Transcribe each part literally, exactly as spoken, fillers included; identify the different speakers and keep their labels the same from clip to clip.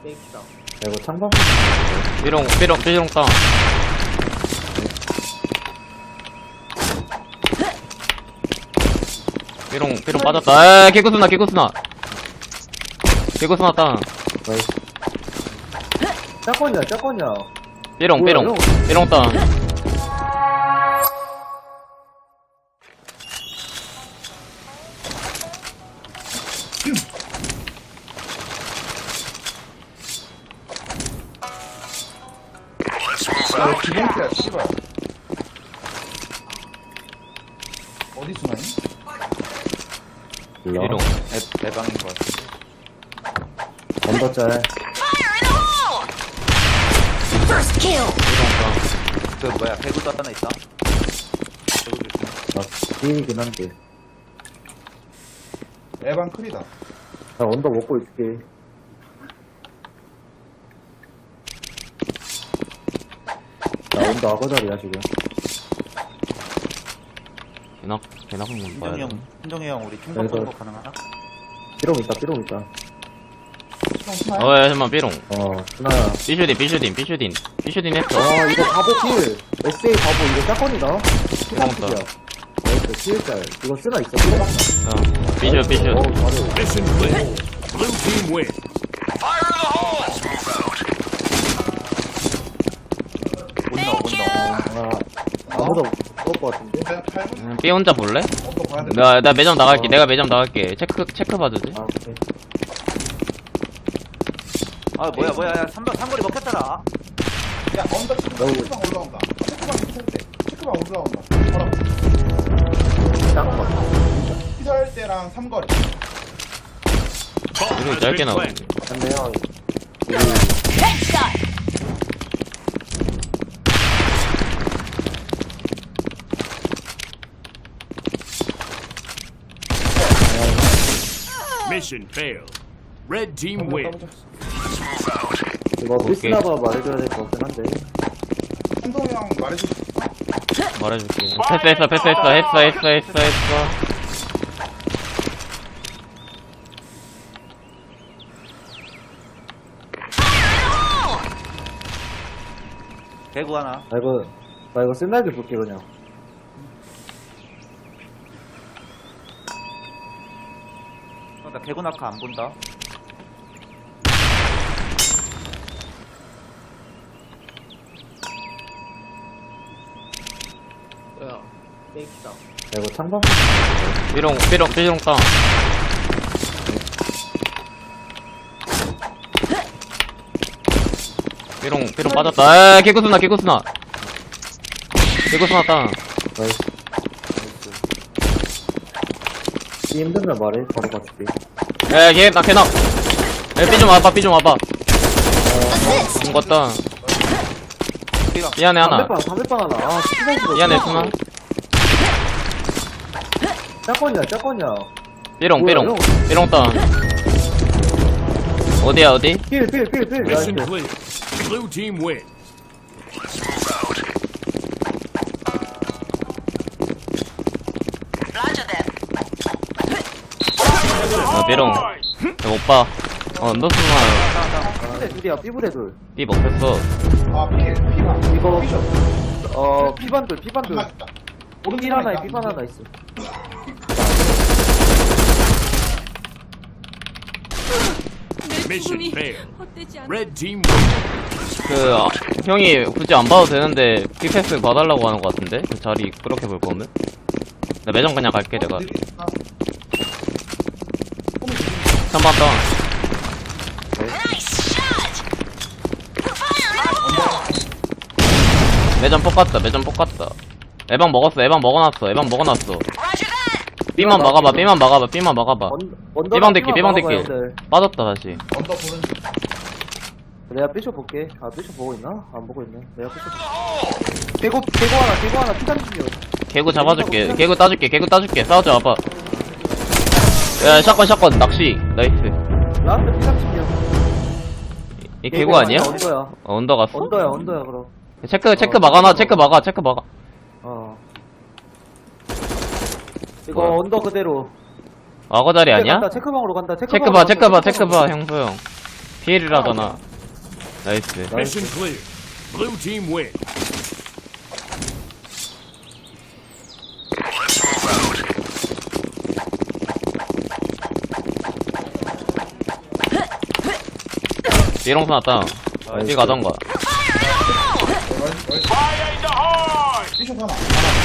Speaker 1: 페이크다.
Speaker 2: 야, 이거 창방?
Speaker 3: 삐롱 삐롱 삐롱 다운. 삐롱 삐롱 빠졌다. 에이 개구스나 개구스나 개구스나 다운.
Speaker 2: 짝건이야, 짝건이야.
Speaker 3: 삐롱
Speaker 2: 뭐야,
Speaker 3: 삐롱
Speaker 2: 형?
Speaker 3: 삐롱 다운.
Speaker 4: 야, 기본기야, 씨발. 어디 수나니?
Speaker 2: 몰라.
Speaker 3: 삐롱
Speaker 4: 애, 애방인 것 같아.
Speaker 2: 언더짤.
Speaker 5: Fire in the hole! First kill!
Speaker 4: 그, 뭐야, 배구도 하나 있다? 배구 조심.
Speaker 2: 나 비이긴 한데.
Speaker 4: 애방 클이다.
Speaker 2: 나 언더 먹고 있을게. 나 언더 악어자리야, 지금.
Speaker 3: 개나 개나 한번 봐야
Speaker 4: 신동이
Speaker 3: 돼.
Speaker 4: 형, 신동이 형, 우리 충성
Speaker 2: 그래서-
Speaker 4: 선거 가능하나?
Speaker 2: 삐롱 있다, 삐롱 있다.
Speaker 3: 어이 잠만 삐롱.
Speaker 2: 어, 스나야.
Speaker 3: 삐슈딘 삐슈딘 삐슈딘 삐슈딘 했어.
Speaker 2: 아, 이거 바보 필. 에스에이 바보, 이거 짝건이다.
Speaker 3: 고맙다.
Speaker 2: 필이야. 나이스, 필짤. 이거 쓰나 있어, 필.
Speaker 3: 어 삐슈 삐슈.
Speaker 2: 어, 바로.
Speaker 6: Mission clear. Blue team win.
Speaker 4: 온다, 온다.
Speaker 2: 아, 아무도 없을 것 같은데?
Speaker 3: 음, 삐 혼자 볼래?
Speaker 4: 언더 봐야 돼.
Speaker 3: 나 나 매점 나갈게. 내가 매점 나갈게. 체크 체크 봐주지.
Speaker 2: 아, 오케이.
Speaker 4: 아, 뭐야, 뭐야, 야, 삼, 삼거리 먹혔잖아.
Speaker 7: 야, 언더 체크방 체크방 올라온다. 체크방 밑에 때 체크방 올라온다. 봐라.
Speaker 2: 짝건 같아.
Speaker 7: 피설 때랑 삼거리.
Speaker 6: Bomb
Speaker 3: 이거
Speaker 6: has
Speaker 3: 짧게
Speaker 6: been
Speaker 3: 나오는데.
Speaker 6: planted.
Speaker 2: 맞네요.
Speaker 5: Headshot!
Speaker 6: Mission failed. Red team win.
Speaker 2: 이거 피스나바 말해줘야 될 것 같긴 한데.
Speaker 7: 한동이 형 말해줘.
Speaker 3: 말해줄게. 패스했어 패스했어 했어 했어 했어 했어.
Speaker 4: 배구 하나.
Speaker 2: 나 이거, 나 이거 쓴날개 볼게, 그냥.
Speaker 4: 어, 나 개구 낙하 안 본다.
Speaker 1: 뭐야? 페이크다.
Speaker 2: 야, 이거 창방?
Speaker 3: 삐롱 삐롱 삐롱 다운. 삐롱 삐롱 빠졌다. 에이 개구스나 개구스나 개구스나 다운.
Speaker 2: 나이스. 이 힘들면 말해, 바로 가줄게.
Speaker 3: 에이 개나 개나. 에이 삐좀 와봐 삐좀 와봐. 죽었다. 미안해 하나.
Speaker 2: 담배빵, 담배빵 하나. 아, 시간이
Speaker 3: 미안해 스나.
Speaker 2: 짝건이야, 짝건이야.
Speaker 3: 삐롱
Speaker 2: 뭐야,
Speaker 3: 삐롱
Speaker 2: 형?
Speaker 3: 삐롱 다운. 어디야 어디?
Speaker 2: 필, 필, 필, 필.
Speaker 6: Mission
Speaker 2: 나이스.
Speaker 6: clear. Blue team win.
Speaker 5: Roger that.
Speaker 3: 어 삐롱. 야, 오빠. 어 너 스나.
Speaker 2: 삐부대 둘이야, 삐부대 둘.
Speaker 3: 삐 먹혔어.
Speaker 7: 아, 피, 피가.
Speaker 2: 이거,
Speaker 7: 피셔.
Speaker 2: 어, 피반 둘, 피반 둘.
Speaker 7: 맞다.
Speaker 2: 필 하나에 피반 하나 있어.
Speaker 6: Mission failed. Red team win.
Speaker 3: 그 아, 형이 굳이 안 봐도 되는데 삐패스 봐달라고 하는 것 같은데 그 자리 그렇게 볼 거면 나 매점 그냥 갈게 내가. 삼번 다운.
Speaker 5: Nice shot! Fire in the hole!
Speaker 3: 매점 뽑았다 매점 뽑았다. 에방 먹었어 에방 먹어놨어 에방 먹어놨어.
Speaker 5: Roger that!
Speaker 3: 삐만 막아봐 삐만 막아봐 삐만 막아봐.
Speaker 2: 언- 언더랑
Speaker 3: 삐방 대기
Speaker 2: 피만
Speaker 3: 삐방
Speaker 2: 막아봐요,
Speaker 3: 대기
Speaker 2: 형들.
Speaker 3: 빠졌다 다시.
Speaker 7: 언더 보는 중.
Speaker 2: 내가 삐쇼 볼게. 아, 삐쇼 보고 있나? 안 보고 있네. 내가 삐쇼. 개고, 개고 하나, 개고 하나, 피삼십육.
Speaker 3: 개구 잡아줄게 개구 따줄게 개구 따줄게 싸우자 와봐. 야 샷건 샷건 낚시 나이스.
Speaker 2: 라스트 피삼십육.
Speaker 3: 이 개구 아니야?
Speaker 2: 언더야.
Speaker 3: 어, 언더 갔어?
Speaker 2: 언더야, 언더야, 그럼.
Speaker 3: 체크 체크 막아놔 체크 막아 체크 막아.
Speaker 2: 어. 이거
Speaker 3: 뭐야?
Speaker 2: 언더 그대로.
Speaker 3: 악어 자리 아니야?
Speaker 2: 간다, 체크방으로 간다.
Speaker 3: 체크 봐 체크 봐 체크 봐 형수 형. 피엘이라잖아. 나이스.
Speaker 6: Mission clear. Blue team win.
Speaker 3: 삐롱선 왔다. 삐 가던가.
Speaker 7: 삐쇼 하나.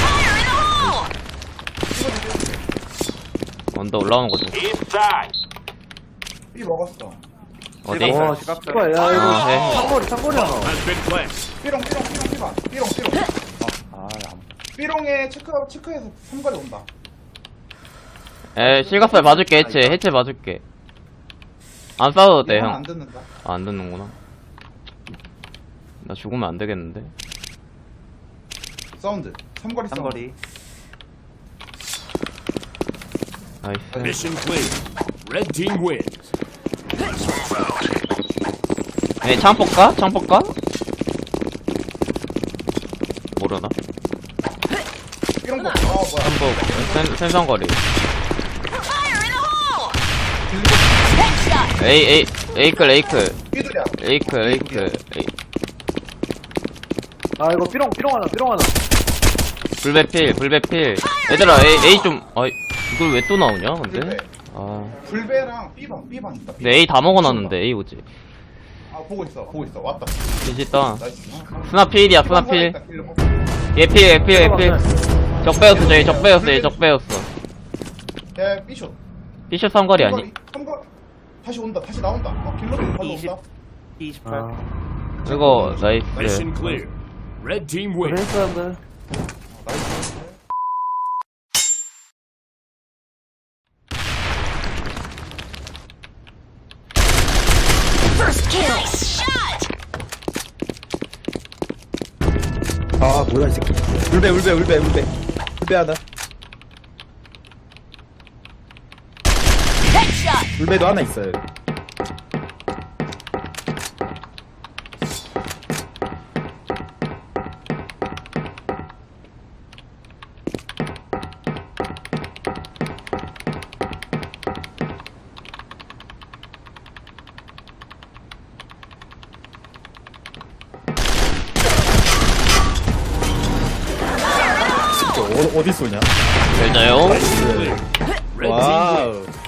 Speaker 3: 언더 올라오는 거지.
Speaker 7: 삐 먹었어.
Speaker 3: 어디?
Speaker 2: 와 씨발 야 이거
Speaker 3: 아, 네.
Speaker 2: 창거리 창거리 하나
Speaker 6: Has been planted.
Speaker 7: 삐롱 삐롱 삐롱 삐봐. 삐롱 삐롱.
Speaker 4: 아, 안.
Speaker 7: 삐롱에 체크 체크해서 삼거리 온다.
Speaker 3: 에, 실각살 맞을게, 해체, 해체 맞을게. 안 싸워도 돼,
Speaker 7: 이건
Speaker 3: 형.
Speaker 7: 안 듣는다.
Speaker 3: 아, 안 듣는구나. 나 죽으면 안 되겠는데.
Speaker 7: 사운드. 삼거리 사운드.
Speaker 4: 삼거리.
Speaker 3: 나이스.
Speaker 6: Mission clear. Red team wins.
Speaker 3: 에, 창 뽑까? 창 뽑까? 모르나?
Speaker 7: 삐롱 거. 아 뭐야.
Speaker 3: 창 센, 센성거리.
Speaker 5: Fire in the hole! Headshot!
Speaker 3: 에이, 에이, 에이클, 에이클.
Speaker 7: 삐들이야.
Speaker 3: 에이클, 에이클. 에이.
Speaker 2: 아 이거 삐롱 삐롱 하나 삐롱 하나
Speaker 3: 불배필, 불배필. 얘들아, 에이, 에이 좀, 어이, 이걸 왜 또 나오냐, 근데?
Speaker 7: 불배.
Speaker 3: 아.
Speaker 7: 불배랑 삐방 삐방 있다.
Speaker 3: 근데 에이 다 먹어놨는데, 에이 오지.
Speaker 7: 아 보고 있어 보고 있어 왔다.
Speaker 3: 진짜.
Speaker 7: 나이스.
Speaker 3: 스나필이야, 스나필. 얘필, 얘필, 얘필. 적배였어, 저기 적배였어, 얘 적배였어.
Speaker 7: 야 삐쇼.
Speaker 3: 피셔 삼거리 아니?
Speaker 7: 삼거리. 다시 온다 다시 나온다. 어, 길로 바로 온다.
Speaker 4: 이십팔.
Speaker 2: 아
Speaker 3: 이거, 나이스.
Speaker 6: Mission clear. Red team
Speaker 2: 그래
Speaker 6: wins.
Speaker 2: 사람들
Speaker 7: 나이스.
Speaker 5: First kill! Nice shot!
Speaker 8: 아 뭐야 이 새끼 울배 울배 울배 울배 울배 하나
Speaker 5: Headshot!
Speaker 8: 울배도 하나 있어요 어, 어디 쏘냐
Speaker 3: 잘 자요.
Speaker 6: Red team
Speaker 8: 와우
Speaker 6: wins.